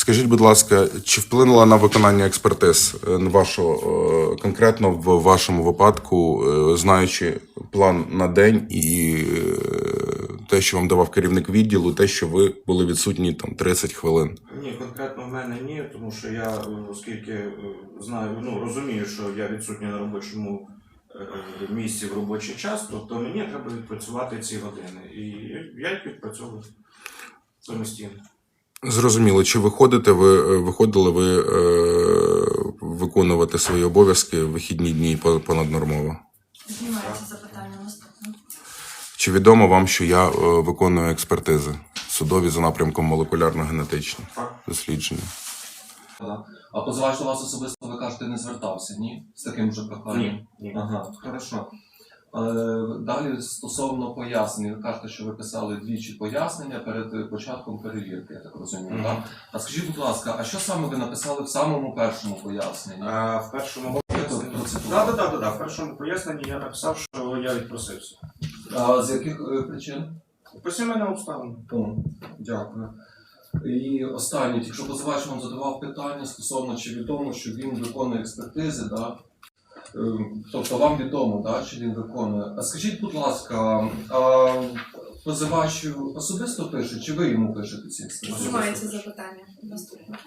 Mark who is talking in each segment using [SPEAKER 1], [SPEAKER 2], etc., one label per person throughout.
[SPEAKER 1] Скажіть, будь ласка, чи вплинула на виконання експертиз конкретно в вашому випадку, знаючи план на день і те, що вам давав керівник відділу, те, що ви були відсутні там 30 хвилин?
[SPEAKER 2] Ні, конкретно в мене ні, тому що я, оскільки знаю, розумію, що я відсутній на робочому місці в робочий час, тобто мені треба відпрацювати ці години. І я їх відпрацьовую самостійно.
[SPEAKER 1] Зрозуміло. Чи виходили ви виконувати свої обов'язки в вихідні дні понаднормово?
[SPEAKER 3] Знімається запитання наступне.
[SPEAKER 1] Чи відомо вам, що я виконую експертизи судові за напрямком молекулярно-генетичні дослідження?
[SPEAKER 4] А позивач до вас особисто, ви кажете, не звертався, ні? З таким же проханням?
[SPEAKER 2] Ні.
[SPEAKER 4] Ага, хорошо. Далі стосовно пояснень, ви кажете, що ви писали двічі пояснення перед початком перевірки, я так розумію, так? А скажіть, будь ласка, а що саме ви написали в самому першому поясненні?
[SPEAKER 2] В першому поясненні... Так, в першому поясненні я написав, що я відпросився.
[SPEAKER 4] А з яких причин?
[SPEAKER 2] По сімейним обставинам.
[SPEAKER 4] Дякую. І останнє, якщо позивач вам задавав питання стосовно, чи відомо, що він виконує експертизи, да? Тобто вам відомо, да, чи він виконує. А скажіть, будь ласка, позивач особисто пише, чи ви йому пишете ці експертизи?
[SPEAKER 3] Знімається запитання наступне.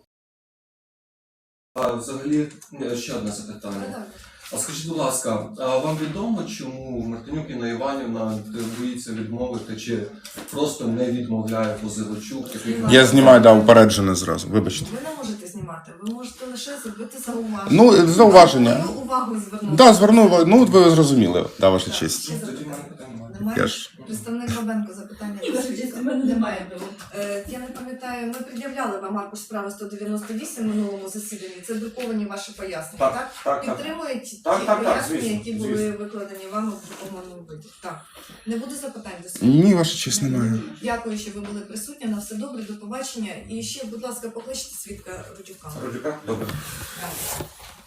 [SPEAKER 4] Взагалі, ще одне запитання. А скажіть, будь ласка, а вам відомо, чому Мартинюк Інна Іванівна боїться відмовити, чи просто не відмовляє позивачу?
[SPEAKER 1] Я знімаю, упереджене зразу, вибачте.
[SPEAKER 3] Ви не можете знімати, ви можете лише зробити зауваження.
[SPEAKER 1] Ну, зауваження.
[SPEAKER 3] Мою увагу звернути.
[SPEAKER 1] Так, звернув, ви зрозуміли, ваша честь.
[SPEAKER 3] Ще
[SPEAKER 4] Тоді
[SPEAKER 3] запитання.
[SPEAKER 4] мене питання немає.
[SPEAKER 3] Немає?
[SPEAKER 1] Я ж...
[SPEAKER 3] Представник Бабенко запитання.
[SPEAKER 5] У мене немає.
[SPEAKER 3] Я не пам'ятаю, ми пред'являли вам аркуш справи 198 в минулому засіданні. Це друковані ваші пояснення, так? Підтримують ті пояснення,
[SPEAKER 2] звісно,
[SPEAKER 3] які були
[SPEAKER 2] звісно.
[SPEAKER 3] викладені вами в друкованому виді. Так. Не буде запитань до світу?
[SPEAKER 1] Ні, ваша честь, немає.
[SPEAKER 3] Дякую, що ви були присутні. На все добре, до побачення. І ще, будь ласка, покличте свідка Рудюка.
[SPEAKER 2] Родюка? Добре.
[SPEAKER 3] Так.